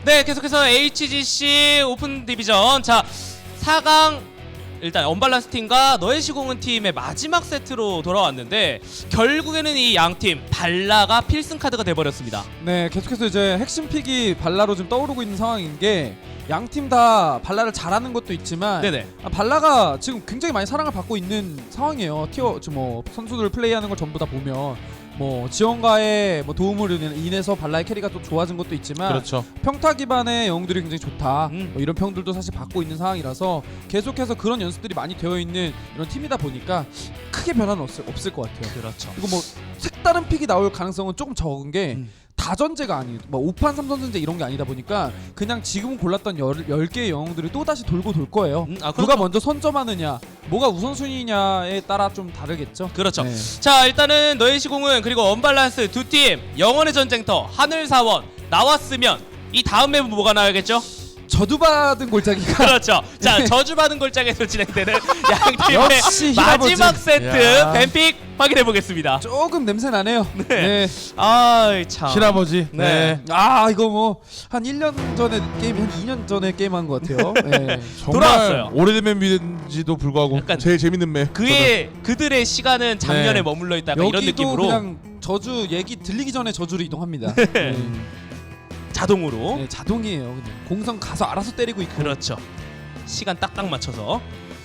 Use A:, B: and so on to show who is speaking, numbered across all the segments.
A: 네, 계속해서 HGC 오픈 디비전 자 4강 일단 언밸런스 팀과 너의 시공은 팀의 마지막 세트로 돌아왔는데 결국에는 이 양팀 발라가 필승 카드가 돼버렸습니다.
B: 네, 계속해서 이제 핵심 픽이 발라로 지금 떠오르고 있는 상황인 게 양팀 다 발라를 잘하는 것도 있지만
A: 네네.
B: 발라가 지금 굉장히 많이 사랑을 받고 있는 상황이에요. 티어 뭐 선수들 플레이하는 걸 전부 다 보면 뭐 지원가의 뭐 도움으로 인해서 발라의 캐리가 또 좋아진 것도 있지만
C: 그렇죠.
B: 평타 기반의 영웅들이 굉장히 좋다.
A: 음.
B: 뭐 이런 평들도 사실 받고 있는 상황이라서 계속해서 그런 연습들이 많이 되어 있는 이런 팀이다 보니까 크게 변화는 없을 것 같아요.
A: 그렇죠.
B: 그리고 뭐 색다른 픽이 나올 가능성은 조금 적은 게 다전제가 아니고 뭐 5판 3선전제 이런 게 아니다 보니까 그냥 지금 골랐던 10개의 영웅들이 또다시 돌고 돌 거예요.
A: 아,
B: 누가 먼저 선점하느냐 뭐가 우선순위냐에 따라 좀 다르겠죠.
A: 그렇죠.
B: 네.
A: 자 일단은 너의 시공은 그리고 언밸런스 두 팀 영원의 전쟁터 하늘사원 나왔으면 이 다음 맵은 뭐가 나와야겠죠?
B: 저주받은 골짜기가
A: 그렇죠. 자 저주받은 골짜기에서 진행되는 양팀의
B: 역시 히라버즈.
A: 마지막 세트
C: 야.
A: 뱀픽 확인해 보겠습니다.
B: 조금 냄새 나네요. 네.
A: 아 참.
C: 실아버지.
A: 네.
B: 아 이거 뭐 한 1년 전에 게임 한 2년 전에 게임한 것 같아요. 네.
C: 정말
A: 돌아왔어요.
C: 오래된 맵인지도 불구하고
A: 약간
C: 제일 재밌는 맵.
A: 그들의 시간은 작년에
C: 네.
A: 머물러 있다 이런
B: 여기도
A: 느낌으로
B: 그냥 저주 얘기 들리기 전에 저주로 이동합니다.
A: 자동으로
B: 네, 자동이에요. 그냥 공성 가서 알아서 때리고 있고.
A: 그렇죠. 시간 딱딱 맞춰서.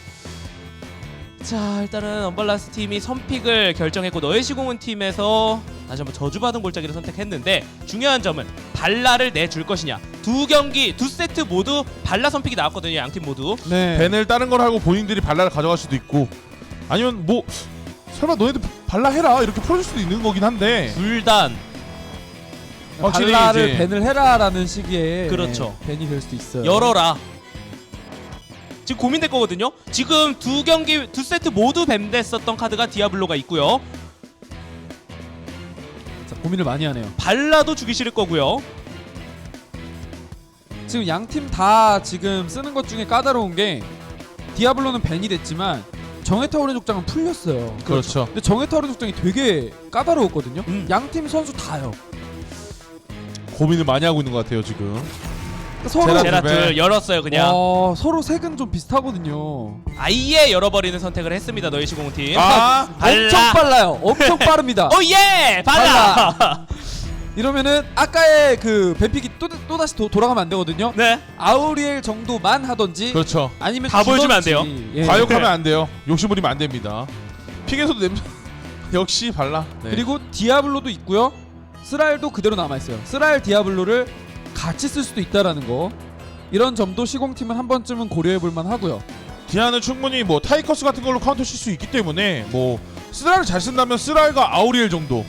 A: 자 일단은 언밸런스 팀이 선픽을 결정했고 너의 시공은 팀에서 다시 한번 저주받은 골짜기를 선택했는데 중요한 점은 발라를 내줄 것이냐. 두 경기 두 세트 모두 발라 선픽이 나왔거든요. 양팀 모두.
B: 네.
C: 벤을 다른 걸 하고 본인들이 발라를 가져갈 수도 있고 아니면 뭐 설마 너네들 발라 해라 이렇게 풀어줄 수도 있는 거긴 한데
A: 불단
C: 확실히
B: 발라를
C: 이제-
B: 밴을 해라라는 시기에
A: 그렇죠.
B: 밴이 될 수도 있어요.
A: 열어라. 지금 고민될 거거든요. 지금 두 경기 두 세트 모두 뱀됐었던 카드가 디아블로가 있고요.
B: 자, 고민을 많이 하네요.
A: 발라도 주기 싫을 거고요.
B: 지금 양 팀 다 지금 쓰는 것 중에 까다로운 게 디아블로는 밴이 됐지만 정해타오른 족장은 풀렸어요.
C: 그렇죠.
B: 근데 정해타오른 족장이 되게 까다로웠거든요.
A: 음.
B: 양 팀 선수 다요.
C: 고민을 많이 하고 있는 것 같아요 지금.
B: 서로
C: 제라툴.
A: 제라툴 열었어요 그냥.
B: 서로 색은 좀 비슷하거든요.
A: 아예 열어버리는 선택을 했습니다. 너희 시공팀.
C: 아
A: 발라.
B: 엄청 빨라요. 엄청 빠릅니다.
A: 오예 발라.
B: 이러면은 아까의 그 뱀픽이 또 다시 돌아가면 안 되거든요.
A: 네.
B: 아우리엘 정도만 하던지
C: 그렇죠.
B: 아니면
A: 다 보여주면 안
B: 주던지.
A: 돼요.
B: 예.
C: 과욕하면 안 돼요. 욕심 부리면 안 됩니다. 픽에서도 냄새. 역시 발라. 네.
B: 그리고 디아블로도 있고요. 스라엘도 그대로 남아 있어요. 스라엘 디아블로를 같이 쓸 수도 있다라는 거. 이런 점도 시공팀은 한 번쯤은 고려해 볼 만하고요.
C: 디아는 충분히 뭐 타이커스 같은 걸로 카운터 칠 수 있기 때문에 뭐 스라를 잘 쓴다면 스라일과 아우리엘 정도.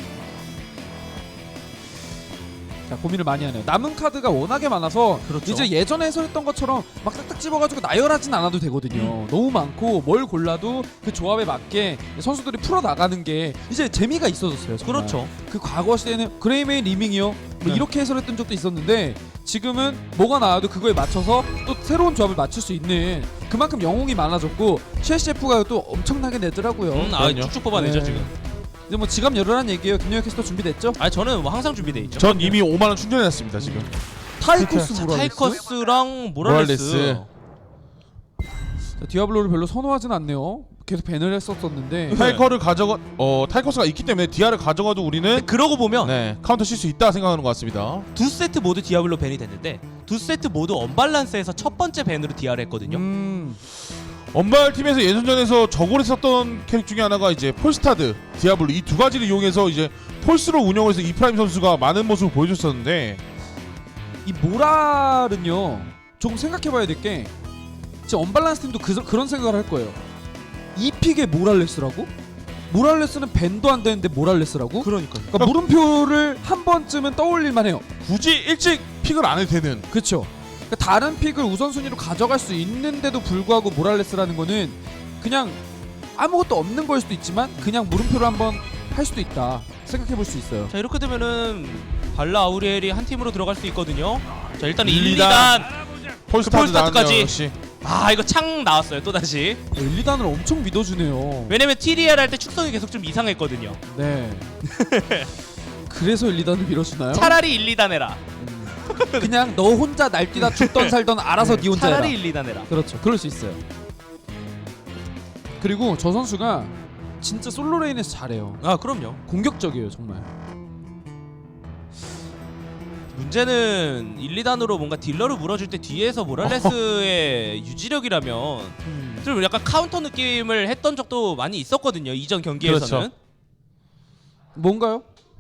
B: 자, 고민을 많이 하네요. 남은 카드가 워낙에 많아서
A: 그렇죠.
B: 이제 예전에 해설했던 것처럼 막 딱딱 집어가지고 나열하진 않아도 되거든요. 너무 많고 뭘 골라도 그 조합에 맞게 선수들이 풀어 나가는 게 이제 재미가 있어졌어요. 정말.
A: 그렇죠.
B: 그 과거 시대에는 그레이메인 리밍이요. 뭐
C: 네.
B: 이렇게 해설했던 적도 있었는데 지금은 뭐가 나와도 그거에 맞춰서 또 새로운 조합을 맞출 수 있는 그만큼 영웅이 많아졌고 셰셰프가 또 엄청나게 내더라고요.
A: 아 쭉쭉 뽑아내죠
B: 네.
A: 지금.
B: 이제 뭐 지갑 열어라는 얘기예요. 김영혁 캐스터 준비됐죠?
A: 아 저는 뭐 항상 준비돼 있죠.
C: 전 이미 5만 원 충전해놨습니다 지금.
B: 타이코스
A: 자,
B: 모랄레스.
A: 타이커스랑 모랄레스.
C: 모랄레스.
B: 자, 디아블로를 별로 선호하진 않네요. 계속 밴을 했었었는데
C: 타이커를 타이커스가 있기 때문에 디아를 가져가도 우리는
A: 그러고 보면
C: 네 카운터 칠 수 있다 생각하는 것 같습니다.
A: 두 세트 모두 디아블로 밴이 됐는데 두 세트 모두 언밸런스에서 첫 번째 밴으로 디아를 했거든요.
C: 언발 팀에서 예선전에서 저골에 썼던 캐릭 중에 하나가 이제 폴스타드, 디아블로 이 두 가지를 이용해서 이제 폴스로 운영을 해서 이프라임 선수가 많은 모습을 보여줬었는데
B: 이 모랄은요 조금 생각해봐야 될 게 지금 언밸런스 팀도 그런 생각을 할 거예요. 이 픽에 모랄레스라고? 모랄레스는 밴도 안 되는데 모랄레스라고?
A: 그러니까요.
B: 그러니까 물음표를 한 번쯤은 떠올릴만 해요.
C: 굳이 일찍 픽을 안 해도 되는
B: 그렇죠. 그러니까 다른 픽을 우선순위로 가져갈 수 있는데도 불구하고 모랄레스라는 거는 그냥 아무것도 없는 걸 수도 있지만 그냥 물음표를 한번 할 수도 있다 생각해 볼 수 있어요.
A: 자 이렇게 되면은 발라 아우리엘이 한 팀으로 들어갈 수 있거든요. 자 일단 1,
C: 1,
A: 2단
C: 폴스타드
A: 폴스타드까지.
C: 나왔네요, 역시.
A: 아 이거 창 나왔어요 또 다시.
B: 1, 2단을 엄청 믿어주네요.
A: 왜냐면 TDR 할 때 축성이 계속 좀 이상했거든요.
B: 네. 그래서 1, 2단을 밀어주나요?
A: 차라리 1, 2단 해라.
B: 그냥 너 혼자 날뛰다 죽던 살던 알아서 네 혼자 해라.
A: 차라리 1, 2단 해라.
B: 그렇죠. 그럴 수 있어요. 그리고 저 선수가 진짜 솔로 레인에서 잘해요.
A: 아 그럼요.
B: 공격적이에요 정말.
A: 문제는 1, 2단으로 뭔가 딜러를 물어줄 때 뒤에서 모랄레스의 유지력이라면 좀 약간 카운터 느낌을 했던 적도 많이 있었거든요. 이전 경기에서는.
C: 그렇죠.
B: 뭔가요?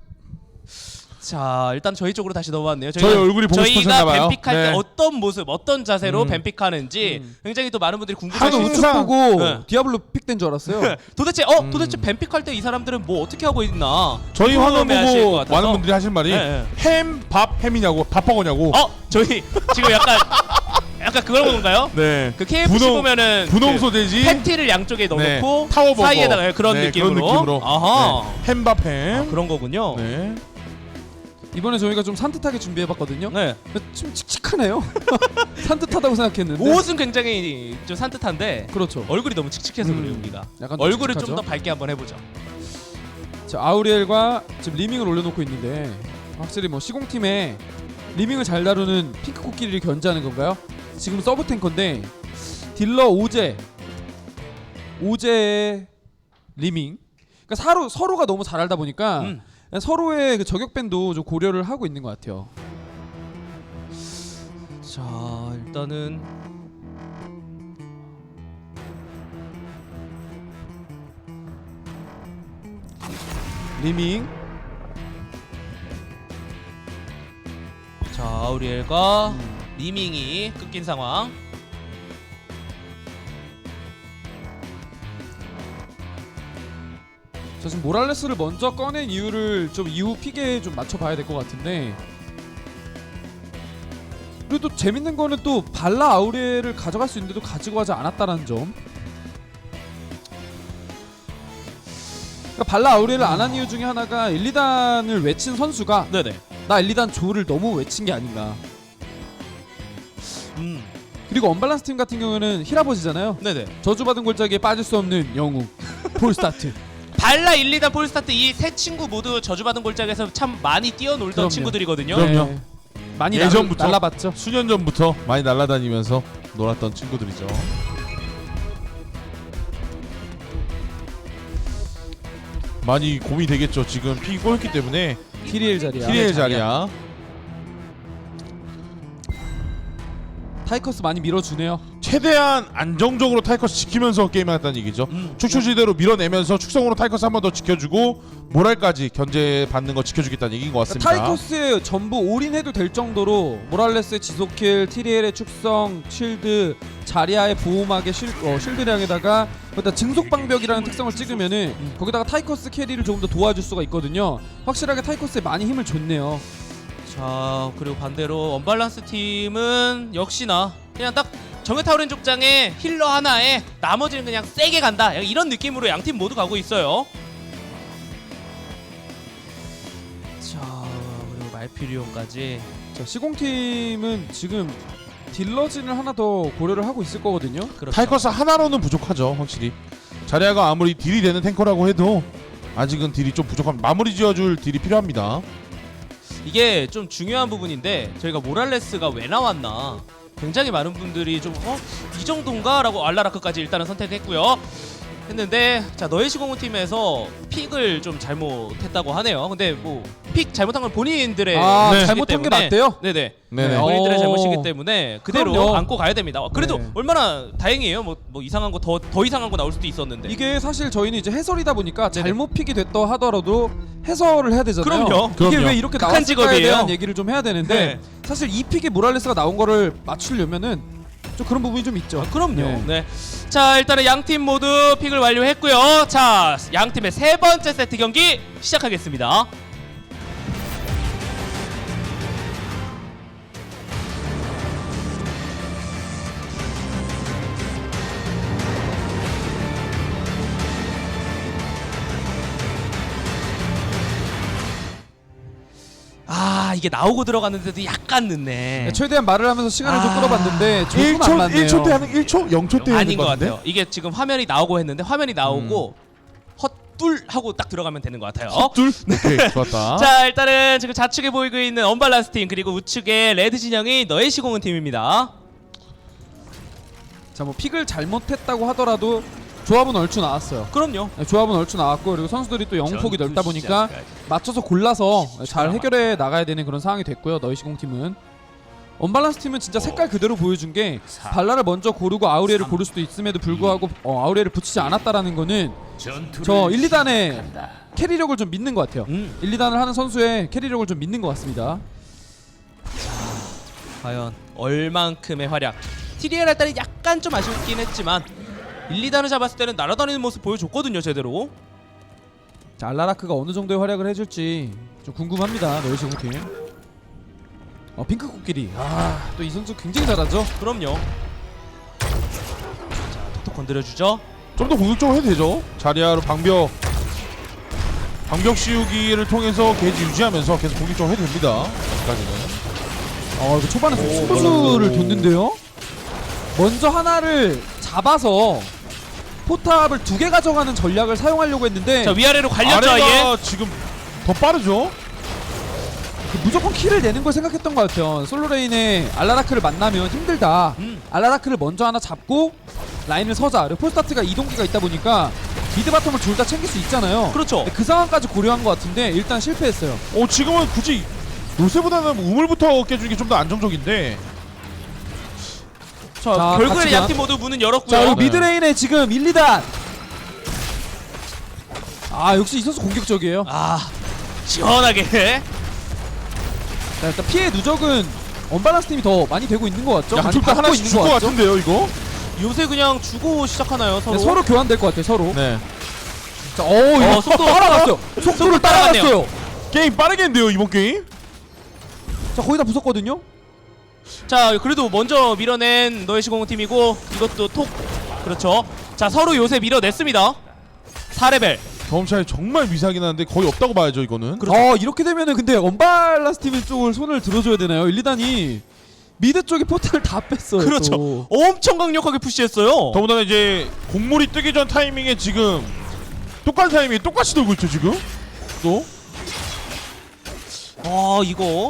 A: 자 일단 저희 쪽으로 다시 넘어왔네요.
C: 저희 얼굴이 보고
A: 저희가
C: 싶으셨나봐요.
A: 뱀픽할 때
C: 네.
A: 어떤 모습, 어떤 자세로 뱀픽하는지 굉장히 또 많은 분들이
B: 저는
A: 궁금해하시는.
B: 우측
C: 항상-
B: 보고
A: 네.
B: 디아블로 픽된 줄 알았어요.
A: 도대체 뱀픽할 때 이 사람들은 뭐 어떻게 하고 있나?
C: 저희 화면
A: 궁금해하실 것
C: 보고
A: 같아서.
C: 많은 분들이 하실 말이
A: 네, 네.
C: 햄, 밥, 햄이냐고 밥버거냐고.
A: 저희 지금 약간 그런 건가요?
C: 네.
A: 그 KFC 보면은
C: 분홍
A: 그
C: 소세지.
A: 패티를 양쪽에
C: 네.
A: 넣어놓고
C: 타워버거.
A: 사이에다가 그런
C: 네,
A: 느낌으로.
C: 그런 느낌으로.
A: 아하.
C: 네. 햄밥 햄.
A: 그런 거군요.
C: 네.
B: 이번에 저희가 좀 산뜻하게 준비해봤거든요.
A: 네.
B: 좀 칙칙하네요. 산뜻하다고 생각했는데.
A: 옷은 굉장히 좀 산뜻한데
B: 그렇죠.
A: 얼굴이 너무 칙칙해서 그래요 우리가.
B: 약간 좀
A: 얼굴을
B: 칙칙하죠?
A: 좀 더 밝게 한번 해보죠.
B: 자, 아우리엘과 지금 리밍을 올려놓고 있는데 확실히 뭐 시공팀에 리밍을 잘 다루는 핑크 코끼리를 견제하는 건가요? 지금 서브 탱커인데 딜러 오제의 리밍. 그러니까 서로가 너무 잘 알다 보니까 서로의 그 저격 밴도 좀 고려를 하고 있는 것 같아요.
A: 자 일단은
B: 리밍.
A: 자 아우리엘과 리밍이 끊긴 상황.
B: 자, 지금 모랄레스를 먼저 꺼낸 이유를 좀 이후 픽에 좀 맞춰봐야 될 것 같은데. 그리고 또 재밌는 거는 또 발라 아우리엘을 가져갈 수 있는데도 가지고 가지 않았다는 점. 그러니까 발라 아우리엘을 안 한 이유 중에 하나가 1, 2단을 외친 선수가
A: 네네.
B: 나 1, 2단 조를 너무 외친 게 아닌가. 그리고 언밸런스 팀 같은 경우는 히라버지잖아요.
A: 네네.
B: 저주받은 골짜기에 빠질 수 없는 영웅 폴스타트.
A: 발라 1, 2단 폴스타트 이 세 친구 모두 저주받은 골짜기에서 참 많이 뛰어놀던
B: 그럼요.
A: 친구들이거든요.
C: 그럼요.
B: 네. 많이
C: 예전부터.
B: 날라봤죠.
C: 수년 전부터 많이 날아다니면서 놀았던 친구들이죠. 많이 고민이 되겠죠. 지금 픽이 꼬였기 때문에
B: 티리엘 자리야.
C: 티리엘 자리야.
B: 타이커스 많이 밀어주네요.
C: 최대한 안정적으로 타이커스 지키면서 게임하겠다는 얘기죠. 축소지대로 밀어내면서 축성으로 타이커스 한 번 더 지켜주고 모랄까지 견제받는 거 지켜주겠다는 얘기인 것 같습니다.
B: 타이커스에 전부 올인해도 될 정도로 모랄레스의 지속킬, 티리엘의 축성, 쉴드, 자리아의 보호막의 쉴드량에다가 거기다 증속방벽이라는 특성을 찍으면은 거기다가 타이커스 캐리를 조금 더 도와줄 수가 있거든요. 확실하게 타이커스에 많이 힘을 줬네요.
A: 자 그리고 반대로 언밸런스 팀은 역시나 그냥 딱 정해타오른 족장에 힐러 하나에 나머지는 그냥 세게 간다 이런 느낌으로 양 팀 모두 가고 있어요. 자 그리고 말피리온까지.
B: 자, 시공팀은 지금 딜러진을 하나 더 고려를 하고 있을 거거든요.
A: 그렇죠.
C: 타이커스 하나로는 부족하죠. 확실히 자리아가 아무리 딜이 되는 탱커라고 해도 아직은 딜이 좀 부족합니다. 마무리 지어줄 딜이 필요합니다.
A: 이게 좀 중요한 부분인데 저희가 모랄레스가 왜 나왔나 굉장히 많은 분들이 좀 이 정도인가? 라고 알라라크까지 일단은 선택했고요. 했는데 자 너의 시공은 팀에서 픽을 좀 잘못했다고 하네요. 근데 뭐 픽 잘못한 건 본인들의
B: 네.
A: 잘못이기
B: 잘못한 게
A: 때문에
B: 맞대요?
A: 네네.
C: 네네.
A: 본인들의
B: 어.
A: 잘못이기 때문에 그대로
B: 그럼요.
A: 안고 가야 됩니다. 그래도
B: 네.
A: 얼마나 다행이에요. 뭐 이상한 거 더 이상한 거 나올 수도 있었는데.
B: 이게 사실 저희는 이제 해설이다 보니까
A: 네네.
B: 잘못 픽이 됐다 하더라도 해설을 해야 되잖아요.
A: 그럼요.
B: 이게
C: 그럼요.
B: 왜 이렇게
A: 극한
B: 나왔을까에
A: 직업이에요.
B: 대한 얘기를 좀 해야 되는데
A: 네.
B: 사실 이 픽에 모랄레스가 나온 거를 맞추려면은 좀 그런 부분이 좀 있죠.
A: 그럼요.
B: 네.
A: 네. 자 일단은 양 팀 모두 픽을 완료했고요. 자 양 팀의 세 번째 세트 경기 시작하겠습니다. 아 이게 나오고 들어갔는데도 약간 늦네.
B: 최대한 말을 하면서 시간을 좀
A: 아.
B: 끌어봤는데 조금 안 맞네요.
C: 1초 때 하는 1초? 0초 때
A: 아닌 것
C: 하는 것 같은데?
A: 같아요. 이게 지금 화면이 나오고 했는데 화면이 나오고 헛둘 하고 딱 들어가면 되는 것 같아요.
C: 둘? 오케이 좋았다.
A: 자 일단은 지금 좌측에 보이고 있는 언밸런스 팀 그리고 우측에 레드 진영이 너의 시공은 팀입니다.
B: 자, 뭐 픽을 잘못했다고 하더라도 조합은 얼추 나왔어요.
A: 그럼요.
B: 네, 조합은 얼추 나왔고 그리고 선수들이 또 영웅폭이 넓다 보니까 맞춰서 골라서 잘 해결해 나가야 되는 그런 상황이 됐고요. 너희 시공팀은 언밸런스 팀은 진짜 색깔 그대로 보여준 게 발라를 먼저 고르고 아우레를 고를 수도 있음에도 불구하고 아우레를 붙이지 않았다라는 거는 저 1, 2단의 캐리력을 좀 믿는 것 같아요. 1, 2단을 하는 선수의 캐리력을 좀 믿는 것 같습니다.
A: 과연 얼만큼의 활약. TDL 할 때는 약간 좀 아쉽긴 했지만 1, 2단을 잡았을 때는 날아다니는 모습 보여줬거든요 제대로.
B: 자, 알라라크가 어느 정도의 활약을 해줄지 좀 궁금합니다. 너희 시공팀. 핑크 코끼리. 또 이 선수 굉장히 잘하죠.
A: 그럼요. 자 톡톡 건드려주죠.
C: 좀 더 공격적으로 해도 되죠. 자리아로 방벽 씌우기를 통해서 게이지 유지하면서 계속 공격적으로 해도 됩니다. 여기까지는.
B: 이거 초반에 승부수를 뒀는데요. 먼저 하나를 잡아서 포탑을 2개 가져가는 전략을 사용하려고 했는데
A: 자 위아래로 갈렸죠 아예.
C: 아래가 지금 더 빠르죠.
B: 무조건 킬을 내는 걸 생각했던 것 같아요. 솔로레인의 알라라크를 만나면 힘들다. 알라라크를 먼저 하나 잡고 라인을 서자. 그리고 폴스타트가 이동기가 있다 보니까 미드 바텀을 둘 다 챙길 수 있잖아요.
A: 그렇죠.
B: 근데 그 상황까지 고려한 것 같은데 일단 실패했어요.
C: 지금은 굳이 요새보다는 우물부터 깨주는 게 좀 더 안정적인데.
A: 자
B: 자,
A: 결국에는
B: 같이 가.
A: 양팀 모두 문은 열었고요.
B: 자, 그리고
C: 네.
B: 미드레인에 지금 1, 2단. 역시 이 선수 공격적이에요.
A: 시원하게.
B: 자, 일단 피해 누적은 언밸런스 팀이 더 많이 되고 있는 것 같죠? 많이
C: 양쪽 다
B: 받고
C: 하나씩
B: 있는
C: 줄 것
B: 같죠?
C: 같은데요, 이거?
A: 요새 그냥 주고 시작하나요 서로?
B: 네, 서로 교환될 것 같아요. 서로.
C: 네.
B: 자, 이거
A: 속도
B: 따라갔어요. 속도를
A: 따라갔네요.
B: 따라갔어요.
C: 게임 빠르게 했는데요, 이번 게임?
B: 자, 거의 다 부쉈거든요.
A: 자 그래도 먼저 밀어낸 너의 시공은 팀이고 이것도 톡. 그렇죠. 자 서로 요새 밀어냈습니다. 4레벨.
C: 경험 차이 정말 미세하긴 한데 거의 없다고 봐야죠, 이거는.
B: 이렇게 되면은 근데 언밸런스 팀 쪽을 손을 들어줘야 되나요? 1, 2단이 미드 쪽에 포탈을 다 뺐어요.
A: 그렇죠.
B: 또.
A: 엄청 강력하게 푸시했어요.
C: 더군다나 이제 곡물이 뜨기 전 타이밍에 지금 똑같은 타이밍에 똑같이 돌고 있죠, 지금? 또?
A: 이거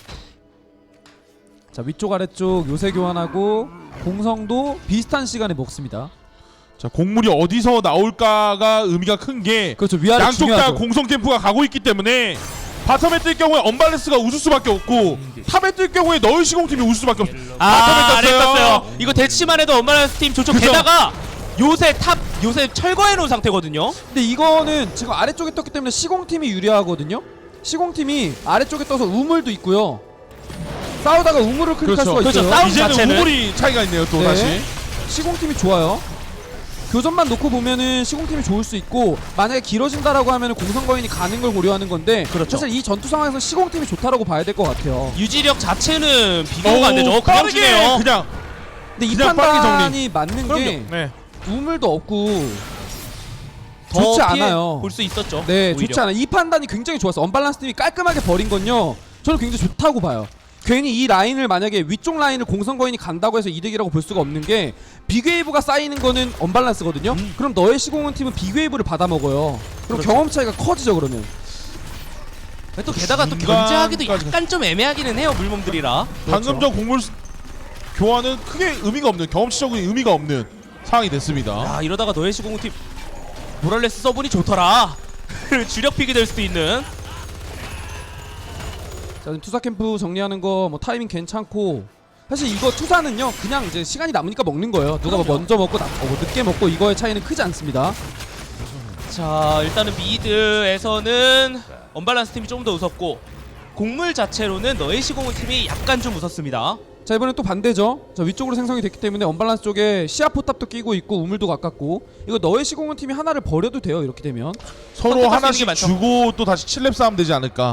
B: 자, 위쪽 아래쪽 요새 교환하고 공성도 비슷한 시간에 먹습니다.
C: 자, 곡물이 어디서 나올까가 의미가 큰 게
B: 그렇죠. 위아래
C: 양쪽 다
B: 중요하죠.
C: 공성 캠프가 가고 있기 때문에 바텀에 뜰 경우에 언밸런스가 웃을 수밖에 없고 탑에 뜰 경우에 너희 시공팀이 웃을 수밖에 없어.
A: 아래 떴어요. 이거 대치만 해도 언밸런스 팀 좋죠.
C: 그죠.
A: 게다가 요새 철거해 놓은 상태거든요.
B: 근데 이거는 지금 아래쪽에 떴기 때문에 시공팀이 유리하거든요. 시공팀이 아래쪽에 떠서 우물도 있고요. 싸우다가 우물을 클릭할
C: 그렇죠.
B: 수가 있어요.
A: 싸움
C: 이제는
A: 자체는-
C: 우물이 차이가 있네요, 또
B: 네.
C: 다시.
B: 시공팀이 좋아요. 교전만 놓고 보면은 시공팀이 좋을 수 있고 만약에 길어진다라고 하면은 공성거인이 가는 걸 고려하는 건데
A: 그렇죠.
B: 사실 이 전투 상황에서 시공팀이 좋다라고 봐야 될 것 같아요.
A: 유지력 자체는 비교가 안 되죠. 그냥
C: 빠르게
A: 주네요.
C: 그냥.
B: 근데 이
C: 그냥 빠르게
B: 판단이 맞는 게
C: 네.
B: 우물도 없고
A: 더
B: 좋지
A: 피해
B: 않아요.
A: 볼 수 있었죠.
B: 네,
A: 오히려.
B: 좋지 않아요. 이 판단이 굉장히 좋았어. 언밸런스 팀이 깔끔하게 버린 건요. 저는 굉장히 좋다고 봐요. 괜히 이 라인을 만약에 위쪽 라인을 공성거인이 간다고 해서 이득이라고 볼 수가 없는 게 빅웨이브가 쌓이는 거는 언밸런스거든요. 그럼 너의 시공은 팀은 빅웨이브를 받아먹어요. 그럼
A: 그렇죠.
B: 경험 차이가 커지죠. 그러면
A: 또 게다가 또
C: 중간까지
A: 견제하기도 약간 좀 애매하기는 해요. 물몸들이라.
C: 방금 전 곡물 교환은 크게 의미가 없는, 경험치적인 의미가 없는 상황이 됐습니다.
A: 이러다가 너의 시공은 팀 모랄레스 써보니 좋더라. 주력 픽이 될 수도 있는.
B: 자, 지금 투사 캠프 정리하는 거 뭐 타이밍 괜찮고 사실 이거 투사는요 그냥 이제 시간이 남으니까 먹는 거예요. 누가 뭐 먼저 먹고 뭐 늦게 먹고 이거의 차이는 크지 않습니다.
A: 자 일단은 미드에서는 언밸런스 팀이 좀 더 웃었고 곡물 자체로는 너의 시공은 팀이 약간 좀 웃었습니다.
B: 자, 이번엔 또 반대죠. 자, 위쪽으로 생성이 됐기 때문에 언밸런스 쪽에 시야 포탑도 끼고 있고 우물도 가깝고 이거 너의 시공은 팀이 하나를 버려도 돼요. 이렇게 되면
C: 서로
A: 선택할 수 있는 게
C: 하나씩
A: 많죠.
C: 주고 또 다시 7렙 싸움 되지 않을까.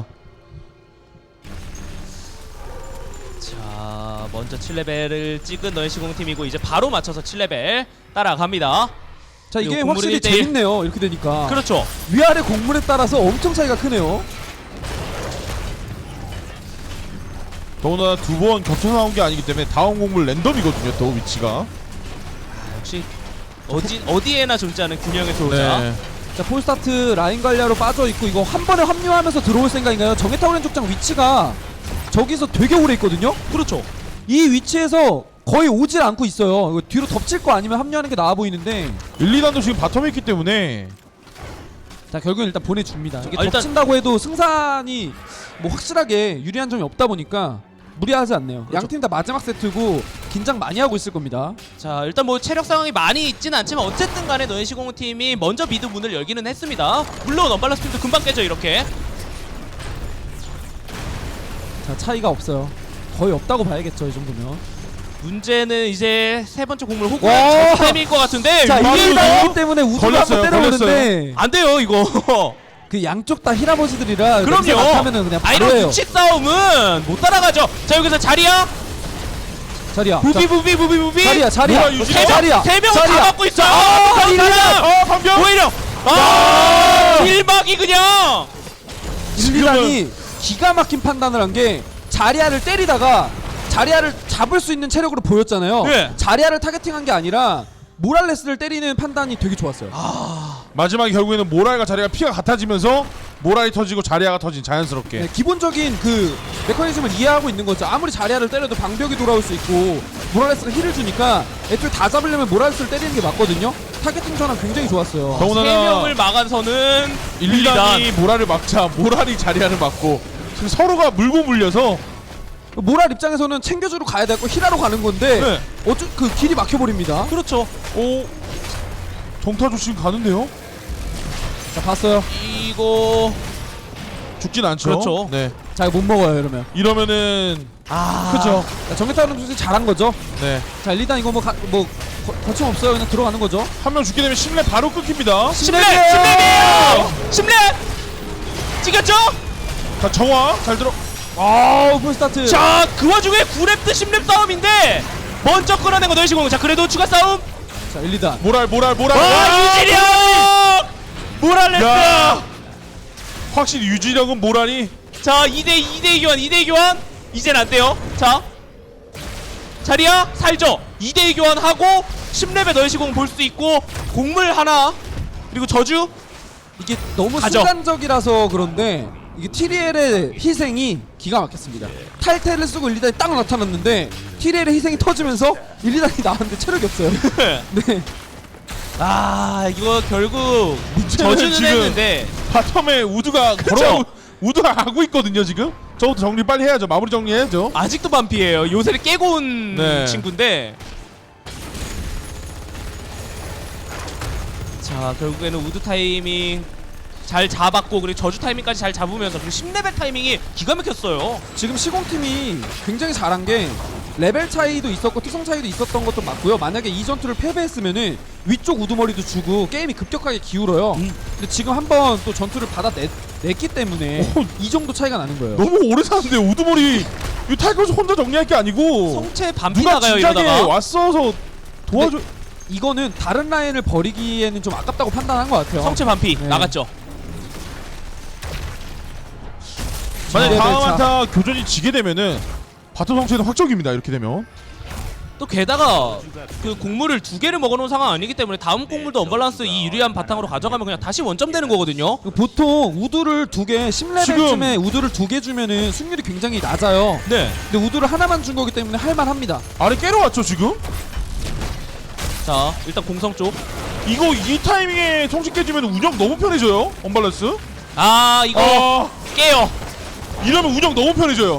A: 자 먼저 7레벨을 찍은 너의 시공은 팀이고 이제 바로 맞춰서 7레벨 따라갑니다.
B: 자, 이게
A: 그리고
B: 확실히
A: 곡물은 1대1.
B: 재밌네요. 이렇게 되니까
A: 그렇죠.
B: 위아래 곡물에 따라서 엄청 차이가 크네요.
C: 더구나 두 번 겹쳐서 나온 게 아니기 때문에 다음 곡물 랜덤이거든요, 또 위치가.
A: 역시 어디에나 존재하는 균형의 소자.
C: 네.
B: 자, 폴스타트 라인 관리하러 빠져 있고 이거 한 번에 합류하면서 들어올 생각인가요? 정해타오렌 족장 위치가 저기서 되게 오래 있거든요.
A: 그렇죠.
B: 이 위치에서 거의 오질 않고 있어요. 이거 뒤로 덮칠 거 아니면 합류하는 게 나아 보이는데
C: 1, 2단도 지금 바텀에 있기 때문에
B: 자, 결국엔 일단 보내줍니다. 이게
A: 일단-
B: 덮친다고 해도 승산이 뭐 확실하게 유리한 점이 없다 보니까 무리하지 않네요.
A: 그렇죠.
B: 양팀 다 마지막 세트고 긴장 많이 하고 있을 겁니다.
A: 자, 일단 뭐 체력 상황이 많이 있진 않지만 어쨌든 간에 너의 시공은 팀이 먼저 미드 문을 열기는 했습니다. 물론 언밸런스 팀도 금방 깨져 이렇게.
B: 자, 차이가 없어요. 거의 없다고 봐야겠죠, 이 정도면.
A: 문제는 이제 세 번째 곡물
B: 와!
A: 호구의 타이밍일 것 같은데.
B: 자,
C: 바로
B: 1단이기
C: 이거?
B: 때문에 우드가
C: 걸렸어요,
B: 한번 때려오는데
A: 안 돼요 이거.
B: 그 양쪽 다 힐아버지들이라
A: 그럼요.
B: 하면은 그냥
A: 아,
B: 바로
A: 이런
B: 해요.
A: 규칙 싸움은 못 따라가죠. 자, 여기서 자리야.
B: 자리야.
A: 부비.
B: 자리야.
C: 뭐야, 유지-
B: 자리야.
A: 세명 다
B: 자리야.
A: 갖고 있어요.
B: 아,
A: 일단
C: 방벽!
A: 오히려
C: 아!
A: 일막이 그냥.
B: 1, 2단이 기가 막힌 판단을 한 게 자리아를 때리다가 자리아를 잡을 수 있는 체력으로 보였잖아요.
A: 네.
B: 자리아를 타겟팅한 게 아니라 모랄레스를 때리는 판단이 되게 좋았어요.
C: 마지막에 결국에는 모랄과 자리가 피가 같아지면서 모랄이 터지고 자리아가 터진 자연스럽게.
B: 네, 기본적인 그 메커니즘을 이해하고 있는 거죠. 아무리 자리아를 때려도 방벽이 돌아올 수 있고 모랄레스가 힐을 주니까 애초에 다 잡으려면 모랄레스를 때리는 게 맞거든요. 타겟팅 전환 굉장히 좋았어요.
C: 더군다나
A: 세 명을 막아서는
C: 1, 2단이 모랄을 막자 모랄이 자리아를 막고 지금 서로가 물고 물려서
B: 모랄 입장에서는 챙겨주러 가야 되고 힐하러 가는 건데
A: 네.
B: 어쩌 그 길이 막혀버립니다.
A: 그렇죠.
C: 오 정타조 지금 가는데요?
B: 자, 봤어요.
A: 이거
C: 죽진 않죠.
A: 그렇죠.
C: 네.
B: 자, 이거 못 먹어요 이러면.
C: 이러면은
B: 그죠. 정해타는 선수 잘한 거죠.
C: 네.
B: 자, 일단 이거 거침 없어요. 그냥 들어가는 거죠.
C: 한 명 죽게 되면 심레 바로 끊깁니다.
A: 심랩이에요. 심랩 찍었죠?
C: 자 정화 잘 들어.
B: 아우, 풀스타트.
A: 자, 그 와중에 9렙드 10렙 싸움인데 먼저 끌어낸 거 너의 시공. 자, 그래도 추가 싸움.
B: 자, 1, 2단.
C: 모랄.
A: 와, 유지력! 모랄레스.
C: 야! 확실히 유지력은 모랄이
A: 자, 2대2 교환. 이젠 안 돼요. 자, 자리야 살죠. 2대2 교환하고 10렙의 너의 시공 볼 수 있고 곡물 하나 그리고 저주.
B: 이게 너무
A: 가죠.
B: 순간적이라서 그런데 이게 티리엘의 희생이 기가 막혔습니다. 탈퇴를 쓰고 1, 2단이 딱 나타났는데 티리엘의 희생이 터지면서 1, 2단이 나왔는데 체력이 없어요. 네.
A: 아, 이거 결국 저주는
C: 지금
A: 했는데
C: 바텀에 우드가
A: 그쵸?
C: 우드가 가고 있거든요 지금. 저것도 정리 빨리 해야죠. 마무리 정리해야죠.
A: 아직도 반피예요. 요새를 깨고 온
C: 네.
A: 친구인데. 자, 결국에는 우드 타이밍 잘 잡았고 그리고 저주 타이밍까지 잘 잡으면서 그리고 10레벨 타이밍이 기가 막혔어요.
B: 지금 시공팀이 굉장히 잘한 게 레벨 차이도 있었고 특성 차이도 있었던 것도 맞고요. 만약에 이 전투를 패배했으면은 위쪽 우두머리도 주고 게임이 급격하게 기울어요. 근데 지금 한번 또 전투를 받아냈기 때문에 이 정도 차이가 나는 거예요.
C: 너무 오래 사는데 우드머리 이 타이거즈 혼자 정리할 게 아니고
A: 성체 반피
C: 누가
A: 나가요
C: 진작에
A: 이러다가.
C: 왔어서 도와줘.
B: 이거는 다른 라인을 버리기에는 좀 아깝다고 판단한 것 같아요.
A: 성체 반피
B: 네.
A: 나갔죠.
C: 만약
B: 레벨
C: 다음
B: 차.
C: 한타 교전이 지게 되면은 바텀 성체는 확정입니다. 이렇게 되면.
A: 또 게다가 그 곡물을 2개를 먹어놓은 상황 아니기 때문에 다음 곡물도 언밸런스 이 유리한 바탕으로 가져가면 그냥 다시 원점 되는 거거든요.
B: 보통 우두를 2개 10레벨쯤에 우두를 2개 주면은 승률이 굉장히 낮아요.
A: 네.
B: 근데 우두를 하나만 준 거기 때문에 할만합니다.
C: 아래 깨러 왔죠 지금?
A: 자, 일단 공성 쪽.
C: 이거 이 타이밍에 성체 깨지면 운영 너무 편해져요. 언밸런스.
A: 아, 이거 깨요.
C: 이러면 운영 너무 편해져요.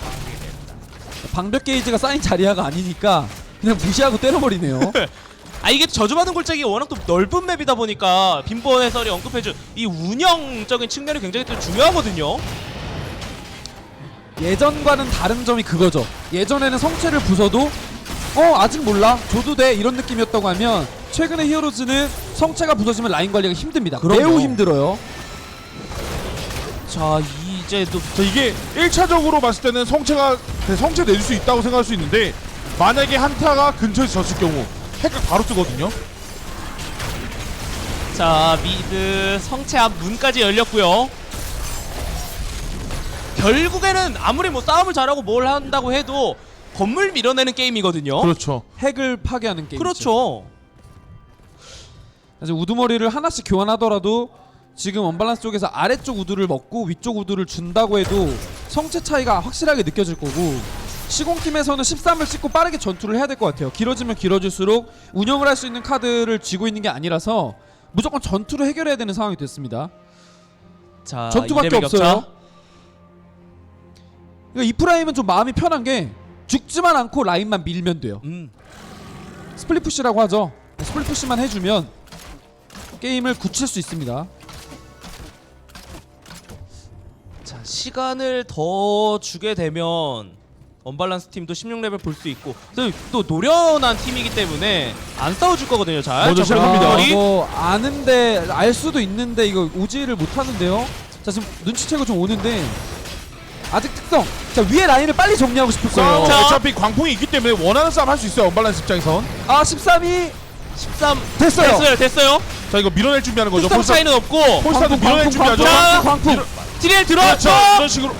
B: 방벽 게이지가 쌓인 자리아가 아니니까 그냥 무시하고 때려버리네요.
A: 아, 이게 저주받은 골짜기가 워낙 또 넓은 맵이다 보니까 빈번 해설이 언급해준 이 운영적인 측면이 굉장히 또 중요하거든요.
B: 예전과는 다른 점이 그거죠. 예전에는 성체를 부숴도 아직 몰라 줘도 돼 이런 느낌이었다고 하면 최근의 히어로즈는 성체가 부서지면 라인 관리가 힘듭니다.
A: 그럼요.
B: 매우 힘들어요.
A: 자, 이제 또
C: 자, 이게 1차적으로 봤을 때는 성체 내줄 수 있다고 생각할 수 있는데 만약에 한타가 근처에서 졌을 경우 핵각 바로 뜨거든요.
A: 자, 미드 성체 앞 문까지 열렸고요. 결국에는 아무리 뭐 싸움을 잘하고 뭘 한다고 해도 건물 밀어내는 게임이거든요.
C: 그렇죠.
B: 핵을 파괴하는 게임.
A: 그렇죠.
B: 사실 우두머리를 하나씩 교환하더라도 지금 언밸런스 쪽에서 아래쪽 우두를 먹고 위쪽 우두를 준다고 해도 성체 차이가 확실하게 느껴질 거고, 시공팀에서는 13을 찍고 빠르게 전투를 해야 될 것 같아요. 길어지면 길어질수록 운영을 할 수 있는 카드를 쥐고 있는 게 아니라서 무조건 전투로 해결해야 되는 상황이 됐습니다.
A: 자,
B: 전투밖에
A: 2레벨
B: 없어요.
A: 격차.
B: 그러니까 이 프라임은 좀 마음이 편한 게 죽지만 않고 라인만 밀면 돼요. 스플릿 푸시라고 하죠. 스플릿 푸시만 해주면 게임을 굳힐 수 있습니다.
A: 자, 시간을 더 주게 되면 언밸런스 팀도 16레벨 볼 수 있고, 또 노련한 팀이기 때문에 안 싸워줄 거거든요. 잘.
C: 먼저
A: 자,
C: 시작합니다.
A: 머리.
B: 뭐 아는데 알 수도 있는데 이거 오지를 못 하는데요. 자, 지금 눈치채고 좀 오는데 아직 특성. 자, 위에 라인을 빨리 정리하고 싶을 거예요.
A: 자.
C: 어차피 광풍이 있기 때문에 원하는 싸움 할 수 있어요. 언밸런스 입장에선.
B: 아, 13이
A: 13
B: 됐어요.
A: 됐어요.
C: 자, 이거 밀어낼 준비하는 거죠.
A: 특성 차이는 없고.
C: 폴스타도 밀어낼 준비하죠.
A: 자,
B: 광풍.
A: 딜에
C: 그렇죠.
A: 들어왔죠.
C: 이런 식으로.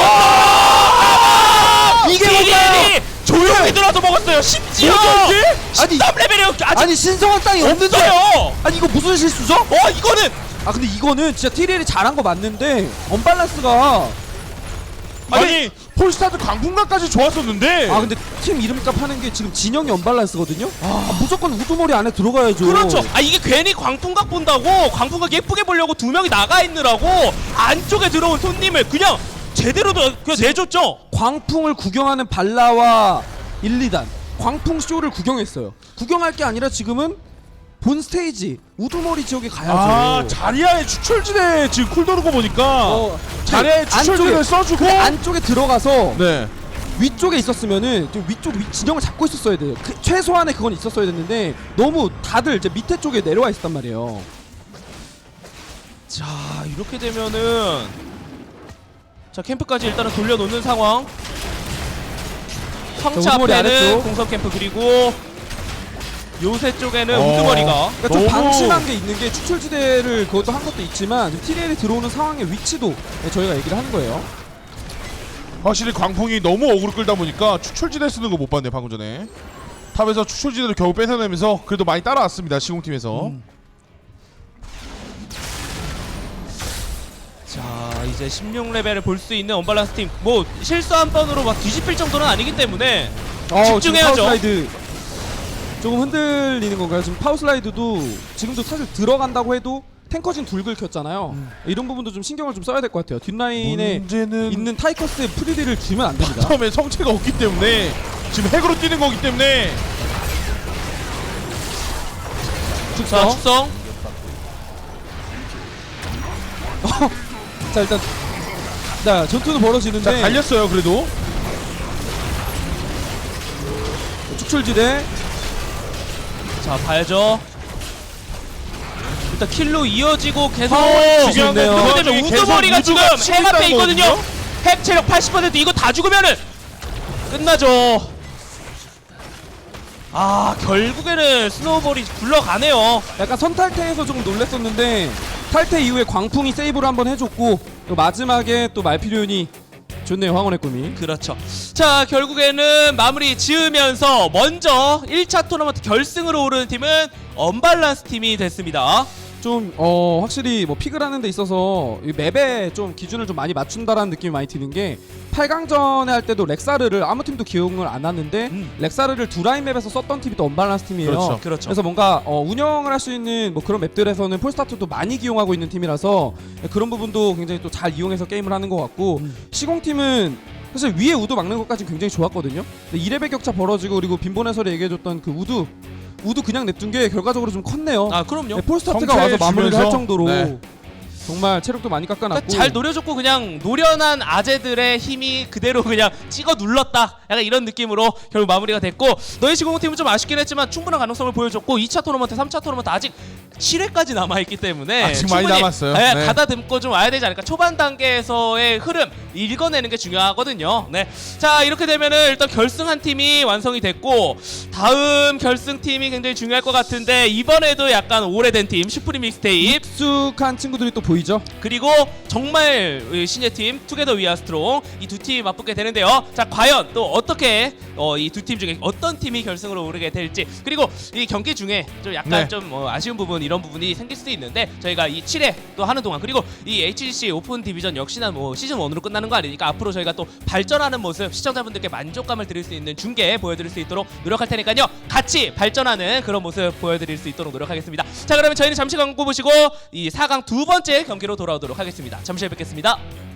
B: 이게
A: 딜이
B: 뭔가요?
A: 조용히 들어와서 먹었어요. 심지어
B: 아니,
A: 13레벨이요. 아직
B: 아니 신성한 땅이 없는데.
A: 없어요.
B: 아니 이거 무슨 실수죠?
A: 이거는
B: 아 근데 이거는 진짜 TRL이 잘한 거 맞는데 언밸런스가
C: 아니 폴스타도 광풍각까지 좋았었는데.
B: 아 근데 팀 이름값 하는 게 지금 진영이 언밸런스거든요. 무조건 우두머리 안에 들어가야죠.
A: 그렇죠. 이게 괜히 광풍각 본다고 광풍각 예쁘게 보려고 두 명이 나가 있느라고 안쪽에 들어온 손님을 그냥 제대로 그냥 내줬죠.
B: 광풍을 구경하는 발라와 1, 2단 광풍 쇼를 구경했어요. 구경할 게 아니라 지금은 본 스테이지 우두머리 지역에 가야죠.
C: 아, 자리아의 추출지대 지금 쿨 도는 거 보니까 자리아의
B: 그
C: 추출지대를 써주고.
B: 그 안쪽에 들어가서
C: 네.
B: 위쪽에 있었으면은 좀 위쪽 진영을 잡고 있었어야 돼요. 최소한의 그건 있었어야 됐는데 너무 다들 이제 밑에 쪽에 내려와 있었단 말이에요.
A: 자, 이렇게 되면은 자, 캠프까지 일단은 돌려놓는 상황. 황차
B: 자, 우두머리
A: 앞에는
B: 아래쪽.
A: 공성 캠프, 그리고 요새 쪽에는 우두머리가.
B: 그러니까 좀
C: 너무-
B: 방심한 게 있는 게 추출지대를 그것도 한 것도 있지만 TRL이 들어오는 상황의 위치도 저희가 얘기를 하는 거예요.
C: 확실히 광풍이 너무 어그로 끌다 보니까 추출지대 쓰는 거 못 봤네 방금 전에. 탑에서 추출지대를 겨우 뺏어내면서 그래도 많이 따라왔습니다 시공팀에서.
A: 자, 이제 16레벨을 볼 수 있는 언밸런스 팀. 뭐 실수 한 번으로 막 뒤집힐 정도는 아니기 때문에 집중해야죠.
B: 지금 파워슬라이드 조금 흔들리는 건가요? 지금 파워슬라이드도 지금도 사실 들어간다고 해도 탱커진 둘 긁혔잖아요. 이런 부분도 좀 신경을 좀 써야 될 것 같아요. 뒷라인에
C: 문제는
B: 있는 타이커스의 프리딜을 주면 안 됩니다.
C: 처음에 성체가 없기 때문에 지금 핵으로 뛰는 거기 때문에.
A: 자, 축성.
B: 자 일단 자 전투는 벌어지는데
C: 자, 갈렸어요 그래도.
B: 축출지대
A: 자, 봐야죠. 일단 킬로 이어지고 계속
B: 중요한 건
A: 그렇게
B: 그거
A: 되면
C: 계속
A: 우두머리가 지금
C: 우두가 치고
A: 핵 앞에
C: 있다는
A: 있거든요.
C: 거거든요?
A: 핵 체력 80% 이거 다 죽으면은 끝나죠. 결국에는 스노우볼이 굴러가네요.
B: 약간 선탈퇴에서 조금 놀랬었는데 탈퇴 이후에 광풍이 세이브를 한번 해줬고 또 마지막에 또 말피륜이 좋네요. 황혼의 꿈이.
A: 그렇죠. 자, 결국에는 마무리 지으면서 먼저 1차 토너먼트 결승으로 오르는 팀은 언밸런스 팀이 됐습니다.
B: 좀 확실히 뭐 픽을 하는 데 있어서 이 맵에 좀 기준을 좀 많이 맞춘다라는 느낌이 많이 드는 게 8강전에 할 때도 렉사르를 아무 팀도 기용을 안 하는데 렉사르를 두 라인 맵에서 썼던 팀이 또 언밸런스 팀이에요.
C: 그렇죠.
A: 그렇죠.
B: 그래서 뭔가 운영을 할 수 있는 뭐 그런 맵들에서는 폴스타트도 많이 기용하고 있는 팀이라서 그런 부분도 굉장히 또 잘 이용해서 게임을 하는 것 같고 시공팀은 사실 위에 우드 막는 것까지 굉장히 좋았거든요. 근데 2레벨 격차 벌어지고 그리고 빈본 해설이 얘기해줬던 그 우드 그냥 냅둔 게 결과적으로 좀 컸네요.
A: 그럼요.
B: 네, 폴스타트가
C: 성체
B: 와서 마무리를 할
C: 주면서,
B: 정도로
C: 네.
B: 정말 체력도 많이 깎아놨고
A: 그러니까 잘 노려줬고 그냥 노련한 아재들의 힘이 그대로 그냥 찍어 눌렀다, 약간 이런 느낌으로 결국 마무리가 됐고, 너희 시공팀은 좀 아쉽긴 했지만 충분한 가능성을 보여줬고 2차 토너먼트 3차 토너먼트 아직 7회까지 남아있기 때문에
C: 아직 많이
A: 충분히,
C: 남았어요.
A: 네,
C: 네.
A: 가다듬고 좀 와야 되지 않을까. 초반 단계에서의 흐름 읽어내는 게 중요하거든요. 네, 자, 이렇게 되면은 일단 결승 한 팀이 완성이 됐고 다음 결승 팀이 굉장히 중요할 것 같은데, 이번에도 약간 오래된 팀 슈프림 믹스테이프,
B: 익숙한 친구들이 또 보이죠.
A: 그리고 정말 신예 팀 투게더 위아 스트롱, 이 두 팀이 맞붙게 되는데요. 자, 과연 또 어떻게 이 두 팀 중에 어떤 팀이 결승으로 오르게 될지, 그리고 이 경기 중에 좀 약간
C: 네.
A: 좀 아쉬운 부분, 이런 부분이 생길 수도 있는데 저희가 이 7회 또 하는 동안 그리고 이 HGC 오픈 디비전 역시나 뭐 시즌 1으로 끝나는 거 아니니까 앞으로 저희가 또 발전하는 모습 시청자분들께 만족감을 드릴 수 있는 중계 보여드릴 수 있도록 노력할 테니까요. 같이 발전하는 그런 모습 보여드릴 수 있도록 노력하겠습니다. 자 그러면 저희는 잠시 광고 보시고 이 4강 두 번째 경기로 돌아오도록 하겠습니다. 잠시 후에 뵙겠습니다.